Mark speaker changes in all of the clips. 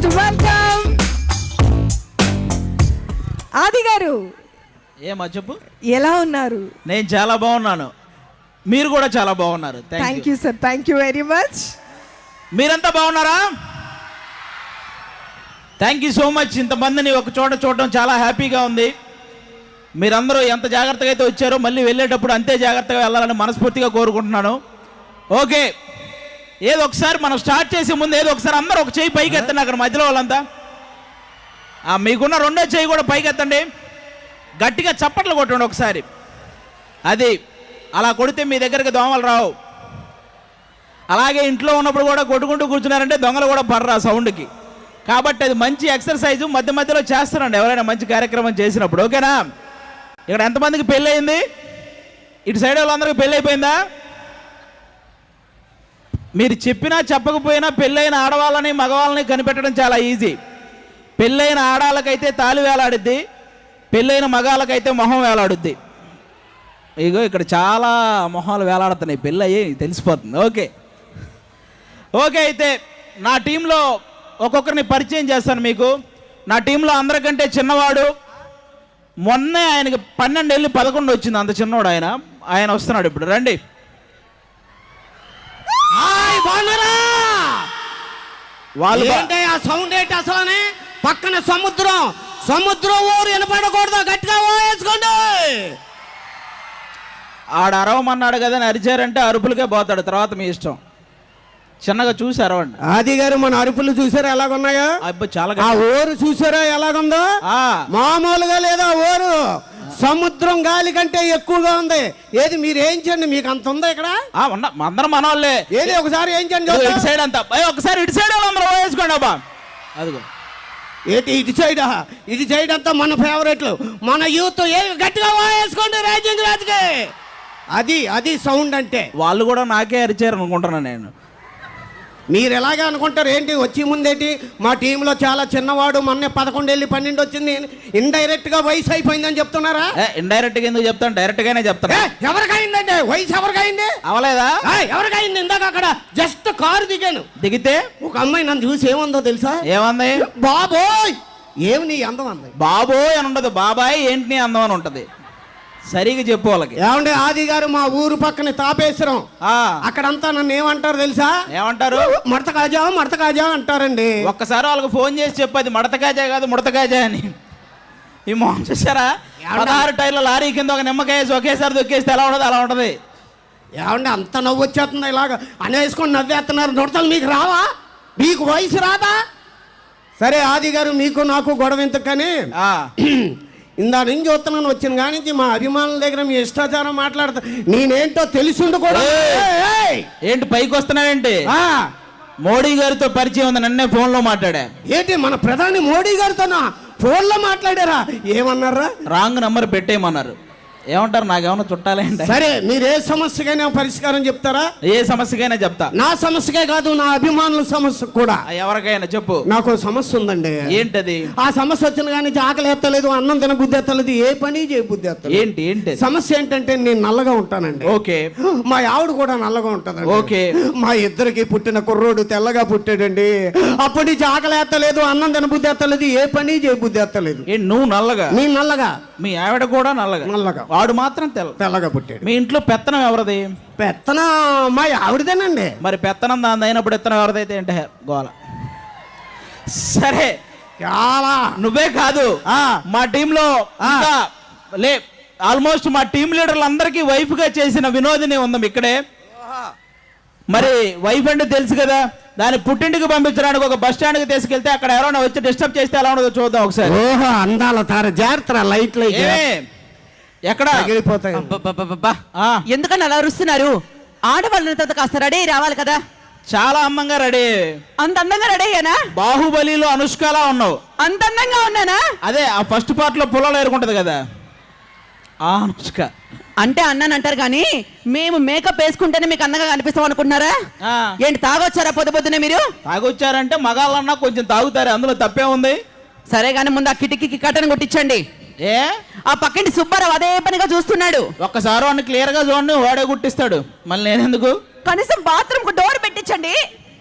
Speaker 1: Most welcome ఆది గారు.
Speaker 2: ఏమా చెప్పు,
Speaker 1: ఎలా ఉన్నారు?
Speaker 2: నేను చాలా బాగున్నాను, మీరు కూడా చాలా బాగున్నారు.
Speaker 1: Thank you sir, thank you very much.
Speaker 2: మీరంతా బాగున్నారా? Thank you so much. ఇంతమందిని ఒక చోట చూడడం చాలా హ్యాపీగా ఉంది. మీరందరూ ఎంత జాగ్రత్తగా అయితే వచ్చారో మళ్ళీ వెళ్ళేటప్పుడు అంతే జాగ్రత్తగా వెళ్ళాలని మనస్ఫూర్తిగా కోరుకుంటున్నాను. ఓకే, ఏదో ఒకసారి మనం స్టార్ట్ చేసే ముందు ఏదో ఒకసారి అందరూ ఒక చేయి పైకి ఎత్తండి. అక్కడ మధ్యలో వాళ్ళంతా మీకున్న రెండో చేయి కూడా పైకి ఎత్తండి. గట్టిగా చప్పట్లు కొట్టండి ఒకసారి. అది అలా కొడితే మీ దగ్గరికి దోమలు రావు. అలాగే ఇంట్లో ఉన్నప్పుడు కూడా కొట్టుకుంటూ కూర్చున్నారంటే దొంగలు కూడా పడరా సౌండ్కి. కాబట్టి అది మంచి ఎక్సర్సైజు, మధ్య మధ్యలో చేస్తారండి ఎవరైనా మంచి కార్యక్రమం చేసినప్పుడు. ఓకేనా? ఇక్కడ ఎంతమందికి పెళ్ళి అయింది? ఇటు సైడ్ వాళ్ళందరికీ పెళ్ళి అయిపోయిందా? మీరు చెప్పినా చెప్పకపోయినా పెళ్ళైన ఆడవాళ్ళని మగవాళ్ళని కనిపెట్టడం చాలా ఈజీ. పెళ్ళైన ఆడాళ్ళకైతే తాళి వేలాడుద్ది, పెళ్ళైన మగాళ్ళకైతే మొహం వేలాడుద్ది. ఇగో ఇక్కడ చాలా మొహాలు వేలాడుతున్నాయి, పెళ్ళి అయ్యి తెలిసిపోతుంది. ఓకే ఓకే, అయితే నా టీంలో ఒక్కొక్కరిని పరిచయం చేస్తాను మీకు. నా టీంలో అందరికంటే చిన్నవాడు, మొన్నే ఆయనకి 12 ఏళ్ళు 11 వచ్చింది, అంత చిన్నవాడు ఆయన వస్తున్నాడు ఇప్పుడు. రండి.
Speaker 3: వాళ్ళు ఏంటి ఆ సౌండ్ ఏంటి అసలు? పక్కన సముద్రం ఊరు వినపడకూడదు, గట్టిగా వేసుకోండి.
Speaker 2: ఆడ అరవమన్నాడు కదా అని అరిచారంటే అరుపులకే పోతాడు, తర్వాత మీ ఇష్టం. చిన్నగా చూసి అరవండి.
Speaker 3: ఆది గారు మన అరుపులు చూసారా ఎలాగున్నాయో?
Speaker 2: అబ్బా చాలా.
Speaker 3: ఆ ఊరు చూసారా ఎలాగుందో? మామూలుగా లేదా ఊరు, సముద్రం గాలి కంటే ఎక్కువగా ఉంది. ఏది మీరు ఏం చేయండి, మీకు అంత ఉందా ఇక్కడ?
Speaker 2: అందరం మన వాళ్ళే.
Speaker 3: ఏది ఒకసారి ఏం చేయండి,
Speaker 2: ఇటు సైడ్ అంతా ఒకసారి ఇటు సైడ్ అందరూ వేసుకోండి. అబ్బా అదిగో
Speaker 3: ఏంటి ఇటు సైడ్ అంతా మన ఫేవరెట్లు, మన యూత్. ఏ గట్టిగా వేసుకోండి రేజింగ్ రాజుకి. అది సౌండ్ అంటే. వాళ్ళు
Speaker 2: కూడా నాకే అరిచారు అనుకుంటున్నాను నేను.
Speaker 3: మీరు ఎలాగే అనుకుంటారు ఏంటి? వచ్చి ముందేంటి మా టీంలో చాలా చిన్నవాడు, మొన్న 11 ఏళ్ళు 12 వచ్చింది, ఇండైరెక్ట్ గా వయసు అయిపోయిందని చెప్తున్నారా?
Speaker 2: ఇండైరెక్ట్ గా ఎందుకు చెప్తాను, డైరెక్ట్ గానే చెప్తాను.
Speaker 3: ఎవరికైందంటే వయసు ఎవరికైంది?
Speaker 2: అవలేదా?
Speaker 3: ఎవరికైంది? ఇందాక అక్కడ జస్ట్ కారు దిగితే ఒక అమ్మాయి నన్ను చూసి ఏముందో తెలుసా?
Speaker 2: ఏమంది?
Speaker 3: బాబోయ్ ఏమి నీ అందం అంది.
Speaker 2: బాబోయ్ అని ఉండదు, బాబాయ్ ఏంటి నీ అందం అని ఉంటది. సరిగా చెప్పు వాళ్ళకి.
Speaker 3: ఏమంటే ఆది గారు మా ఊరు పక్కన తాపేశ్వరం, అక్కడంతా నన్ను ఏమంటారు తెలుసా?
Speaker 2: ఏమంటారు?
Speaker 3: మడత కాజా అంటారండి.
Speaker 2: ఒక్కసారి వాళ్ళకి ఫోన్ చేసి చెప్పది మడత కాజా కాదు ముడత కాజా అని. ఈ మొహం చూసారా? 16 టైర్ల లారీ కింద ఒక నిమ్మకాయ ఒకేసారి దొక్కేస్తే ఎలా ఉండదు అలా ఉంటది.
Speaker 3: ఏమంటే అంత నవ్వు వచ్చేస్తుంది, ఇలాగ అనేసుకొని నవ్వేస్తున్నారు. నొడతలు మీకు రావా? మీకు వయసు రాదా? సరే ఆది గారు, మీకు నాకు గొడవ ఎందుకని ఇందా నుంచి చూస్తున్నాను, వచ్చిన కానీ మా అభిమానుల దగ్గర మీ ఇష్టాచారం మాట్లాడతా. నేనేంటో తెలిసిండు కూడా.
Speaker 2: ఏంటి పైకి వస్తున్నావేంటి? మోడీ గారితో పరిచయం ఉంది, నన్నే ఫోన్లో మాట్లాడా.
Speaker 3: ఏంటి మన ప్రధాని మోడీ గారితోనా ఫోన్లో మాట్లాడారా? ఏమన్నారా?
Speaker 2: రాంగ్ నంబర్ పెట్టేయమన్నారు. ఏమంటారు? నాకేమన్నా చుట్టాలేంటి?
Speaker 3: సరే మీరు ఏ సమస్యకైనా పరిష్కారం చెప్తారా?
Speaker 2: ఏ సమస్యకైనా చెప్తా.
Speaker 3: నా సమస్యకే కాదు, నా అభిమానుల సమస్య కూడా.
Speaker 2: ఎవరికైనా చెప్పు.
Speaker 3: నాకు సమస్య ఉందండి.
Speaker 2: ఏంటది?
Speaker 3: ఆ సమస్య వచ్చిన కానీ ఆకలి ఎత్తలేదు, అన్నం తిన బుద్ధి ఎత్తలేదు, ఏ పని చేయ బుద్ధి ఎత్తలేదు.
Speaker 2: ఏంటి
Speaker 3: సమస్య ఏంటంటే నేను నల్లగా ఉంటానండి.
Speaker 2: ఓకే.
Speaker 3: మా ఆవిడ కూడా నల్లగా ఉంటదండి.
Speaker 2: ఓకే.
Speaker 3: మా ఇద్దరికి పుట్టిన కుర్రోడు తెల్లగా పుట్టాడండి. అప్పటి నుంచి ఆకలి ఎత్తలేదు, అన్నం తిన బుద్ధి ఎత్తలేదు, ఏ పని చేయ బుద్ధి ఎత్తలేదు.
Speaker 2: నువ్వు నల్లగా?
Speaker 3: నేను నల్లగా,
Speaker 2: మీ ఆవిడ కూడా నల్లగా, వాడు మాత్రం
Speaker 3: తెల్లగా పుట్టాడు.
Speaker 2: మీ ఇంట్లో పెత్తనం ఎవరిది?
Speaker 3: పెత్తనం మా ఆవిడదేనండి.
Speaker 2: మరి పెత్తనం దాని అయినప్పుడు ఎత్తనం ఎవరిదైతే ఏంటే గోల. సరే, చాలా నువ్వే కాదు మా టీంలో ఆల్మోస్ట్ మా టీం లీడర్లు అందరికీ వైఫ్ గా చేసిన వినోదిని ఉందాం ఇక్కడే. మరి వైఫ్ అంటే తెలుసు కదా, దాన్ని పుట్టింటికి పంపించడానికి ఒక బస్ స్టాండ్కి తీసుకెళ్తే అక్కడ ఎవరైనా వచ్చి డిస్టర్బ్ చేస్తే ఎలా ఉండదో చూద్దాం ఒకసారి.
Speaker 3: ఓహో అందాల తార జాగ్రత్త, లైట్లు
Speaker 2: ఎక్కడ
Speaker 3: ఎగిరిపోతాయి.
Speaker 1: ఎందుకని అలా అరుస్తున్నారు? ఆడవాళ్ళని కాస్త రెడీ రావాలి కదా.
Speaker 2: చాలా అందంగా రెడీ.
Speaker 1: అంత అందంగా రెడీ అయ్యానా?
Speaker 2: బాహుబలిలో అనుష్కలా ఉన్నావు.
Speaker 1: అంత అందంగా ఉన్నానా?
Speaker 2: అదే ఆ ఫస్ట్ పార్ట్ లో పొలాలు ఏరుకుంటది కదా అనుష్క.
Speaker 1: అంటే అన్నాను అంటారు కానీ మేము మేకప్ వేసుకుంటేనే మీకు అందంగా కనిపిస్తాం అనుకుంటున్నారా? ఏంటి తాగొచ్చారా పొద్దునే? మీరు
Speaker 2: తాగొచ్చారంటే మగాళ్ళన్నా కొంచెం తాగుతారు, అందులో తప్పే ఉంది.
Speaker 1: సరే కానీ ముందు ఆ కిటికీకి కట్టను కొట్టించండి. ఆ పక్కింటి సుబ్బారావు అదే పనిగా చూస్తున్నాడు.
Speaker 2: ఒక్కసారి వాడిని క్లియర్ గా చూడండి, వాడే గుట్టిస్తాడు. మళ్ళీ నేనెందుకు?
Speaker 1: కనీసం బాత్రూమ్ కు డోర్ పెట్టించండి.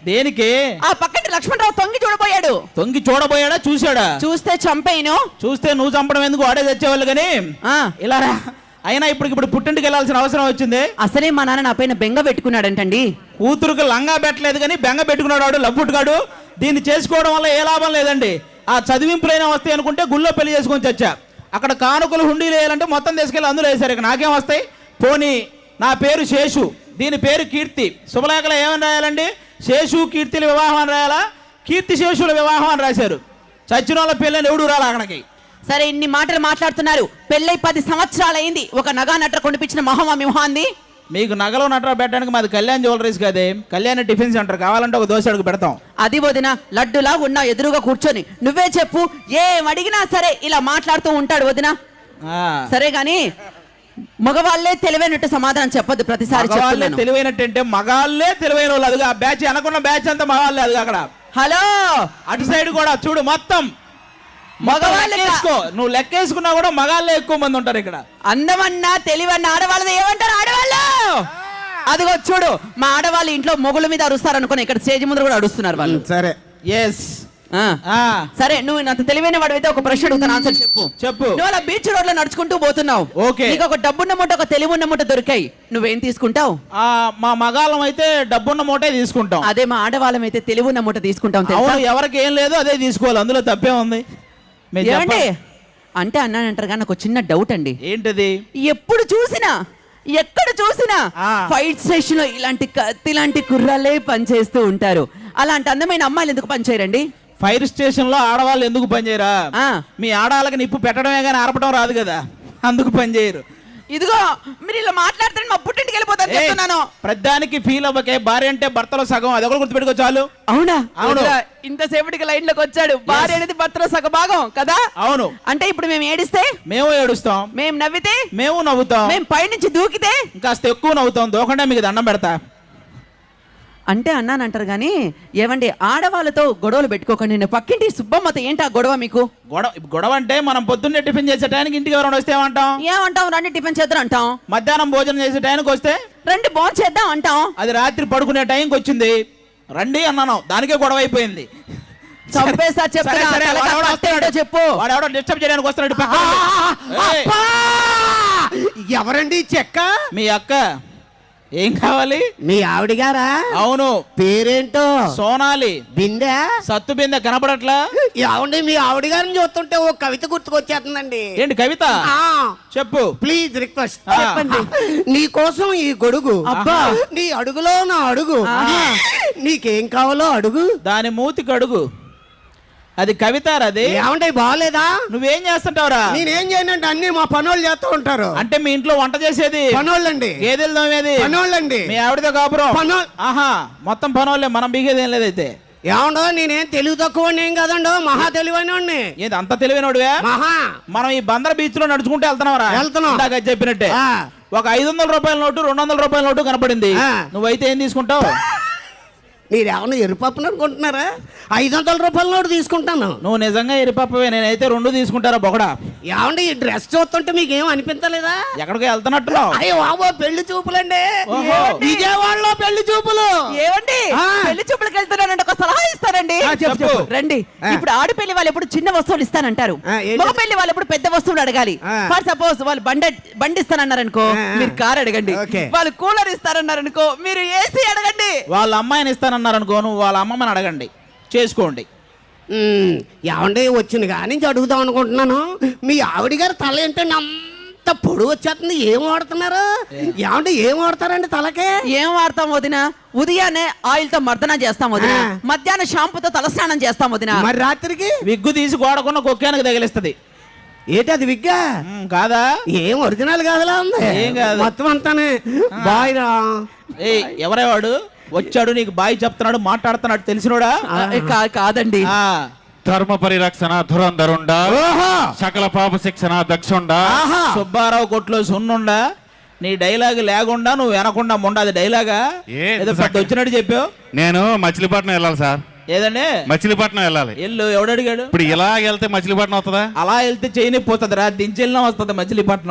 Speaker 2: దేనికి?
Speaker 1: ఆ పక్కన లక్ష్మణరావు తొంగి చూడబోయాడు.
Speaker 2: తొంగి చూడబోయాడా చూశాడా?
Speaker 1: చూస్తే చంపేను.
Speaker 2: చూస్తే నువ్వు చంపడం ఎందుకు, వాడే తెచ్చేవాళ్ళు కానీ. ఇలా రా. అయినా ఇప్పుడు పుట్టింటికి వెళ్ళాల్సిన అవసరం వచ్చింది.
Speaker 1: అసలే మా నాన్న నా పైన బెంగ పెట్టుకున్నాడంటండి.
Speaker 2: కూతురుకు లంగా పెట్టలేదు కానీ బెంగ పెట్టుకున్నాడు వాడు, లబ్బుట్టుగాడు. దీన్ని చేసుకోవడం వల్ల ఏ లాభం లేదండి. ఆ చదివింపులైనా వస్తాయి అనుకుంటే గుళ్ళో పెళ్లి చేసుకొని చచ్చా. అక్కడ కానుకలు హుండీలు వేయాలంటే మొత్తం తీసుకెళ్ళి అందులో వేశారు. ఇక నాకేం వస్తాయి? పోనీ నా పేరు శేషు, దీని పేరు కీర్తి. శుభలేఖలో ఏమని రాయాలండి? శేషు కీర్తిల వివాహం అని రాయాలా? కీర్తి శేషుల వివాహం అని రాశారు. చచ్చిన వాళ్ళ పెళ్ళని ఎవడు రాలి అక్కడికి.
Speaker 1: సరే, ఇన్ని మాటలు మాట్లాడుతున్నారు. పెళ్ళై 10 సంవత్సరాలు అయింది. ఒక నగా నట్ర కొనిపించిన మొహం ఆ మొహాంది.
Speaker 2: మీకు నగలు నట్రా పెట్టడానికి మాది కళ్యాణ్ జ్యువెలరీస్ కాదే, కళ్యాణ్ టిఫిన్ సెంటర్. కావాలంటే ఒక దోశ అడుగు పెడతాం.
Speaker 1: అది వదిన, లడ్డులా ఉన్నా ఎదురుగా కూర్చొని నువ్వే చెప్పు, ఏం అడిగినా సరే ఇలా మాట్లాడుతూ ఉంటాడు వదిన. సరే గాని మగవాళ్లే తెలివైనట్టు సమాధానం చెప్పొద్దు ప్రతిసారి.
Speaker 2: తెలివైనట్టు అంటే మగాళ్ళే తెలివైన వాళ్ళు. అదిగా ఆ బ్యాచ్ అనుకున్న బ్యాచ్ అంతా మగాళ్ళే. అది అక్కడ
Speaker 1: హలో
Speaker 2: అటు సైడ్ కూడా చూడు, మొత్తం మగవాళ్ళే. నువ్వు లెక్కేసుకున్నా కూడా మగాళ్ళే ఎక్కువ మంది ఉంటారు ఇక్కడ.
Speaker 1: అందమన్నా తెలివన్నా ఆడవాళ్ళది ఏమంటారు ఆడవాళ్ళు? అదిగో చూడు, మా ఆడవాళ్ళు ఇంట్లో మొగుల మీద అరుస్తారు అనుకుని ఇక్కడ స్టేజ్ ముందు కూడా అరుస్తున్నారు వాళ్ళు.
Speaker 3: సరే,
Speaker 2: ఎస్.
Speaker 1: సరే, నువ్వు అంత తెలివైన వాడితే ఒక ప్రశ్న అడుగుతాను, ఆన్సర్ చెప్పు. నువ్వు అలా బీచ్ రోడ్ లో నడుచుకుంటూ పోతున్నావు.
Speaker 2: ఓకే.
Speaker 1: నీకు ఒక డబ్బున్న మూట, ఒక తెలివి ఉన్న మూట దొరికాయి. నువ్వేం తీసుకుంటావు?
Speaker 2: మా మగాళ్ళం అయితే డబ్బున్న మూటే తీసుకుంటాం.
Speaker 1: అదే మా ఆడవాళ్ళం అయితే తెలివి ఉన్న మూట తీసుకుంటాం.
Speaker 2: ఎవరికి ఏం లేదు అదే తీసుకోవాలి, అందులో తప్పే ఉంది.
Speaker 1: ఏమండి అంటే అన్నానంటారు కానీ నాకు చిన్న డౌట్ అండి.
Speaker 2: ఏంటది?
Speaker 1: ఎప్పుడు చూసినా ఎక్కడ చూసినా ఫైట్ స్టేషన్ లో ఇలాంటి కుర్రాలే పనిచేస్తూ ఉంటారు. అలాంటి అందమైన అమ్మాయిలు ఎందుకు పనిచేయరండి?
Speaker 2: ఫైర్ స్టేషన్ లో ఆడవాళ్ళు ఎందుకు పనిచేయరా? మీ ఆడవాళ్ళకి నిప్పు పెట్టడమే కానీ ఆర్పడం రాదు కదా, అందుకు పనిచేయరు.
Speaker 1: ఇదిగో మీరు ఇలా మాట్లాడుతుంటే మా పుట్టింటికి వెళ్ళిపోతాను చెప్తున్నాను.
Speaker 2: ప్రతిదానికి ఫీల్ అవ్వకే. భార్య అంటే భర్తలో సగం, అది ఒకటి గుర్తుపెట్టుకో చాలు.
Speaker 1: అవునా?
Speaker 2: అవును.
Speaker 1: ఇంతసేపటికి లైన్ లోకి వచ్చాడు. భార్య అనేది భర్తలో సగ భాగం కదా.
Speaker 2: అవును.
Speaker 1: అంటే ఇప్పుడు మేము ఏడిస్తే
Speaker 2: మేము ఏడుస్తాం,
Speaker 1: మేము నవ్వితే
Speaker 2: మేము నవ్వుతాం,
Speaker 1: మేము పైనుంచి దూకితే
Speaker 2: ఇంకాస్త ఎక్కువ నవ్వుతాం. దూకండా మీకు దండం పెడతా
Speaker 1: అంటే అన్నానంటారు కానీ. ఏమండి ఆడవాళ్ళతో గొడవలు పెట్టుకోకండి. నేను పక్కింటి సుబ్బమ్మతో ఏంటి ఆ గొడవ మీకు?
Speaker 2: గొడవ అంటే మనం పొద్దున్నే టిఫిన్ చేసే టైంకి ఇంటికి ఎవరైనా వస్తే ఏమంటాం?
Speaker 1: రండి టిఫిన్ చేద్దాం అంటాం.
Speaker 2: మధ్యాహ్నం భోజనం చేసే టైంకి వస్తే రండి
Speaker 1: భోజనం చేద్దాం అంటాం.
Speaker 2: అది రాత్రి పడుకునే టైంకి వచ్చింది, రండి అన్నాను, దానికే గొడవ అయిపోయింది.
Speaker 1: చంపేసా చెప్పు.
Speaker 2: వాడెవడో డిస్టర్బ్ చేయడానికి వస్తున్నాడు.
Speaker 3: ఎవరండి చెక్క?
Speaker 2: మీ అక్క. ఏం కావాలి?
Speaker 3: మీ ఆవిడ గారా?
Speaker 2: అవును.
Speaker 3: పేరేంటో?
Speaker 2: సోనాలి.
Speaker 3: బిందె?
Speaker 2: సత్తు బిందె కనపడట్లా?
Speaker 3: ఏమండి మీ ఆవిడ గారిని చూస్తుంటే ఓ కవిత గుర్తుకొచ్చేస్తుందండి.
Speaker 2: ఏంటి కవిత? చెప్పు
Speaker 3: ప్లీజ్, రిక్వెస్ట్. నీ కోసం ఈ గొడుగు.
Speaker 1: అబ్బా,
Speaker 3: నీ అడుగులో నా అడుగు. నీకేం కావాలో అడుగు.
Speaker 2: దాని మూతికి అడుగు. అది కవితారా? అది
Speaker 3: ఏమంటే బాగలేదా?
Speaker 2: నువ్వేం చేస్తుంటావురా?
Speaker 3: నేనేం చేయనంటే అన్ని మా పనోళ్ళు చేస్తూ ఉంటారు.
Speaker 2: అంటే మీ ఇంట్లో వంట చేసేది
Speaker 3: పనోళ్ళండి.
Speaker 2: గేదెలు తోమేది
Speaker 3: పనోళ్ళండి.
Speaker 2: మీ ఆవిడతో కాపురం
Speaker 3: పనోళ్ళు.
Speaker 2: ఆహా, మొత్తం పనోళ్ళే, మనం బిగేది ఏం లేదైతే.
Speaker 3: ఏమండో నేనేం తెలివి తక్కువ ఏం కదండో, మహా తెలివైన.
Speaker 2: ఏది అంత తెలివైనోడువే?
Speaker 3: మహా.
Speaker 2: మనం ఈ బందర్ బీచ్ లో నడుచుకుంటే వెళ్తున్నాం. చెప్పినట్టే ఒక 500 రూపాయల నోటు, 200 రూపాయల నోటు కనపడింది. నువ్వైతే ఏం తీసుకుంటావు?
Speaker 3: మీరు ఏమన్నా ఎరుపప్పును అనుకుంటున్నారా? 500 రూపాయల నోటు తీసుకుంటాను.
Speaker 2: నువ్వు నిజంగా ఎరిపప్పవే, నేనైతే 2 తీసుకుంటారా బొగడా?
Speaker 3: ఏమండి ఈ డ్రెస్ చూస్తుంటే మీకు ఏం అనిపించలేదా?
Speaker 2: ఎక్కడికి వెళ్తున్నట్టున్నావు?
Speaker 3: అయ్యో బాబో, పెళ్లి చూపులండి. విజయవాడలో పెళ్లి చూపులు.
Speaker 1: ఏమండి పెళ్లి చూపులకు వెళ్తున్నానంటే ఒక సలహా ఇస్తారండి.
Speaker 2: చెప్పు.
Speaker 1: రండి. ఇప్పుడు ఆడపెళ్లి వాళ్ళు ఎప్పుడు చిన్న వస్తువులు ఇస్తానంటారు, మగ పెళ్లి వాళ్ళు ఎప్పుడు పెద్ద వస్తువులు అడగాలి. ఫర్ సపోజ్ వాళ్ళు బండి ఇస్తానన్నారనుకో, మీరు కార్ అడగండి. వాళ్ళు కూలర్ ఇస్తారన్నారనుకో, మీరు ఏసీ అడగండి.
Speaker 2: వాళ్ళ అమ్మాయిని ఇస్తానన్నారనుకో, నువ్వు వాళ్ళ అమ్మమ్మని అడగండి, చేసుకోండి.
Speaker 3: ఏమండి వచ్చిన కాడి నుంచి అడుగుదాం అనుకుంటున్నాను. మీ ఆవిడ గారు తల ఏంటండి అంత పొడుగు వచ్చేస్తుంది? ఏం వాడుతున్నారు? ఏమంటే ఏం వాడతారండి తలకే?
Speaker 1: ఏం వాడతాం వదిన? ఉదయాన్నే ఆయిల్ తో మర్దన చేస్తాం వదిన, మధ్యాహ్నం షాంపూతో తలస్నానం చేస్తాం వదిన.
Speaker 3: మరి రాత్రికి
Speaker 2: విగ్గు తీసి గోడకున్న కుక్కానికి తగిలిస్తుంది.
Speaker 3: ఏంటి అది విగ్గా?
Speaker 2: కాదా?
Speaker 3: ఏం ఒరిజినల్ కాదులా ఉంది.
Speaker 2: ఏం కాదు,
Speaker 3: మొత్తం అంతానే బాయ్ రా.
Speaker 2: ఎవరేవాడు వచ్చాడు నీకు బాయ్ చెప్తున్నాడు, మాట్లాడుతున్నాడు, తెలిసినోడా?
Speaker 1: కాదండి.
Speaker 4: ధర్మ పరిరక్షణ ధురంధరుండా, సకల పాప శిక్షణ దక్షుండా,
Speaker 2: సుబ్బారావు కొట్లో సున్నుండా. నీ డైలాగ్ లేకుండా నువ్వు వినకుండా ఉండదు డైలాగా. ఏదో పెద్ద వచ్చినట్టు చెప్పావు.
Speaker 4: నేను మచిలీపట్నం వెళ్ళాలి సార్.
Speaker 2: ఏదండి?
Speaker 4: మచిలీపట్నం వెళ్ళాలి.
Speaker 2: ఎల్లు. ఎవడు అడిగాడు?
Speaker 4: ఇప్పుడు ఇలా వెళ్తే మచిలీపట్నం వస్తుందా?
Speaker 2: అలా వెళ్తే చేయని పోతుంది రా, దించెల్లినా వస్తుంది మచిలీపట్నం.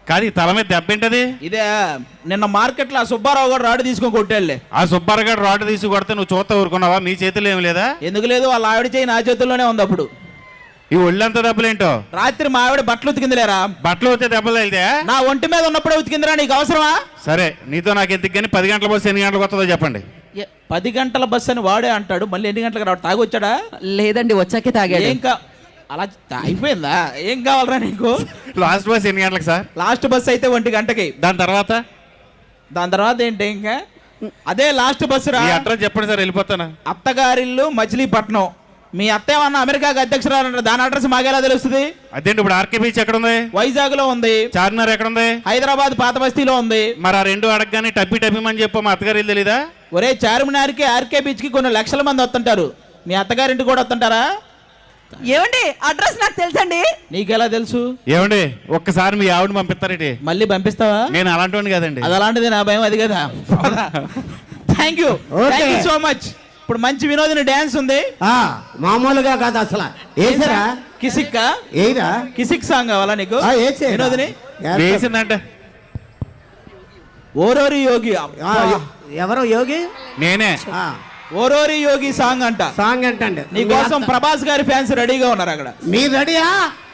Speaker 4: కాదు ఈ తల మీద దెబ్బ ఏంటది?
Speaker 2: ఇదే నిన్న మార్కెట్లో ఆ సుబ్బారావు గారు రాడు తీసుకొని కొట్టాడులే.
Speaker 4: ఆ సుబ్బారావు రాడ్ తీసి కొడితే నువ్వు చూస్తా ఊరుకున్నావా? నీ చేతిలో ఏమి లేదా?
Speaker 2: ఎందుకు లేదు, వాళ్ళ ఆవిడ చేయి నా చేతుల్లోనే ఉంది. అప్పుడు
Speaker 4: ఈ ఒళ్ళంతా దెబ్బలేంటో?
Speaker 2: రాత్రి మా ఆవిడ బట్టలు ఉతికిందిలేరా.
Speaker 4: బట్టలు వచ్చే దెబ్బలు వెళ్తే
Speaker 2: నా ఒంటి మీద ఉన్నప్పుడే ఉతికిందిరా, నీకు అవసరమా?
Speaker 4: సరే నీతో నాకు ఎందుకు కానీ 10 గంటల బస్సు ఎన్ని గంటలకు వస్తుందో చెప్పండి.
Speaker 2: 10 గంటల బస్సు అని వాడే అంటాడు, మళ్ళీ ఎన్ని గంటలకు రావడం? తాగొచ్చాడా?
Speaker 1: లేదండి, వచ్చాకే తాగాడు.
Speaker 2: ఏం అలా అయిపోయిందా? ఏం కావాలరా నీకు?
Speaker 4: లాస్ట్ బస్ ఎన్ని గంటలకు సార్?
Speaker 2: లాస్ట్ బస్ అయితే 1 గంటకి.
Speaker 4: దాని తర్వాత
Speaker 2: ఏంటి ఇంకా? అదే లాస్ట్ బస్సు రా.
Speaker 4: ఈ అడ్రస్ చెప్పండి సార్, వెళ్ళిపోతాను.
Speaker 2: అత్తగారిల్లు మచిలీపట్నం. మీ అత్త ఏమన్నా అమెరికాకి అధ్యక్షురాలు, దాని అడ్రస్ మాకెలా తెలుస్తుంది?
Speaker 4: అదేంటి ఇప్పుడు ఆర్కే బీచ్ ఎక్కడ ఉంది?
Speaker 2: వైజాగ్ లో ఉంది.
Speaker 4: చార్మినార్ ఎక్కడ ఉంది?
Speaker 2: హైదరాబాద్ పాత బస్తీలో ఉంది.
Speaker 4: మరి ఆ రెండు అడగగానే టబ్బిమని చెప్పు, మా అత్తగారు తెలీదా?
Speaker 2: ఒరే, చార్మినార్కి ఆర్కే బీచ్ కి కొన్ని లక్షల మంది వస్తుంటారు, మీ అత్తగారింటి కూడా వస్తుంటారా?
Speaker 1: ఏమండి, అడ్రస్ నాకు తెలుసండి.
Speaker 2: నీకెలా తెలుసు?
Speaker 4: ఏమండి ఒక్కసారి మీ ఆవిడ పంపిస్తారేంటి?
Speaker 2: మళ్ళీ పంపిస్తావా?
Speaker 4: నేను అలాంటి కదండి.
Speaker 2: అది అలాంటిది, నా భయం అది కదా. Thank you so much. ఇప్పుడు మంచి వినోదిని డ్యాన్స్ ఉంది.
Speaker 3: మామూలుగా కాదు అసలు. ఏసరా
Speaker 2: కిసిక్
Speaker 3: ఏరా
Speaker 2: కిసిక్ సాంగ్ కావాలా నీకు? వినోదిని
Speaker 4: వేసిందంటే
Speaker 2: ఓరోరి యోగి.
Speaker 3: ఎవరో యోగి?
Speaker 4: నేనే.
Speaker 2: ఓరోరి యోగి సాంగ్ అంట.
Speaker 3: సాంగ్ అంటండి.
Speaker 2: నీ కోసం ప్రభాస్ గారి ఫ్యాన్స్ రెడీగా ఉన్నారు అక్కడ.
Speaker 3: మీరు రెడీయా?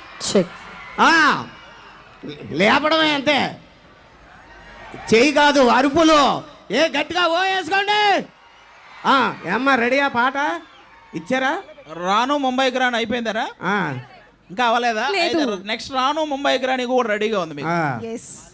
Speaker 3: లేపడమే అంతే, చెయ్యి కాదు అరుపులు. ఏ గట్టిగా ఓ వేసుకోండి. ఏమ్మా రెడీయా? పాట ఇచ్చారా?
Speaker 2: రాను ముంబైకి రాను అయిపోయిందరా? ఇంకా అవ్వలేదా? నెక్స్ట్ రాను ముంబైకి రాని కూడా రెడీగా ఉంది మీకు.